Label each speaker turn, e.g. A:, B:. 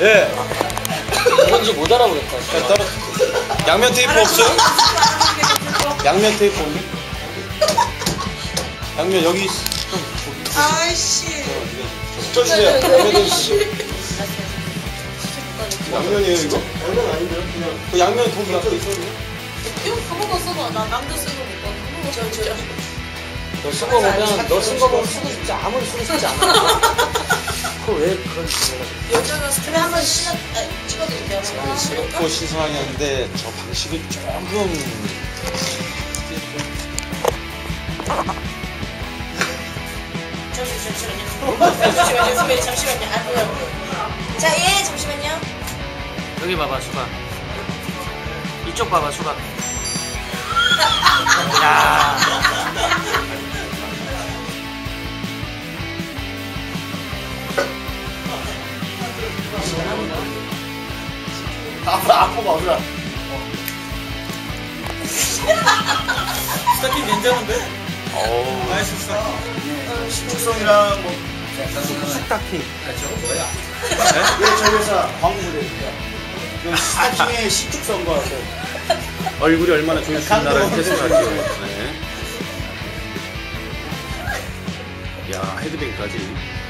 A: 예.
B: 뭔지 못 알아보겠다.
A: 따로 양면 테이프 없어요? 양면 테이프 없니? 양면 여기
C: 아이씨.
A: 붙여주세요. 양면 씨. 양면이에요 이거? 양면 아닌데요? 그냥 그 양면 거기 앞에 있었는데?
C: 이거 한번 써봐. 나 남도 쓰고 못 봐. 한번 저.
B: 너쓴 거 보면 너쓴 거 보면 쓰고 싶지 아무리 쓰고 싶지 않아. 그걸 왜 그런지 몰라.
C: 여자가 스트레스 한번 찍어드릴게요.
A: 새롭고 신선하긴 한데 저 방식이 조금
C: 잠시만요. 선배님 잠시만요. 아 뭐야. 자, 예, 잠시만요.
B: 여기 봐봐 수박. 이쪽 봐봐 수박. 야.
A: 아프가 어디라?
D: 스타킹 괜찮은데?
A: 어우
D: 맛있었어.
A: 식축성이랑 뭐
B: 스타킹.
A: 왜 저희 회사 광고를 해요? 스타킹의 식축성과
E: 얼굴이 얼마나 좋으신다라는 테스트할게요. 네. 야, 헤드뱅까지.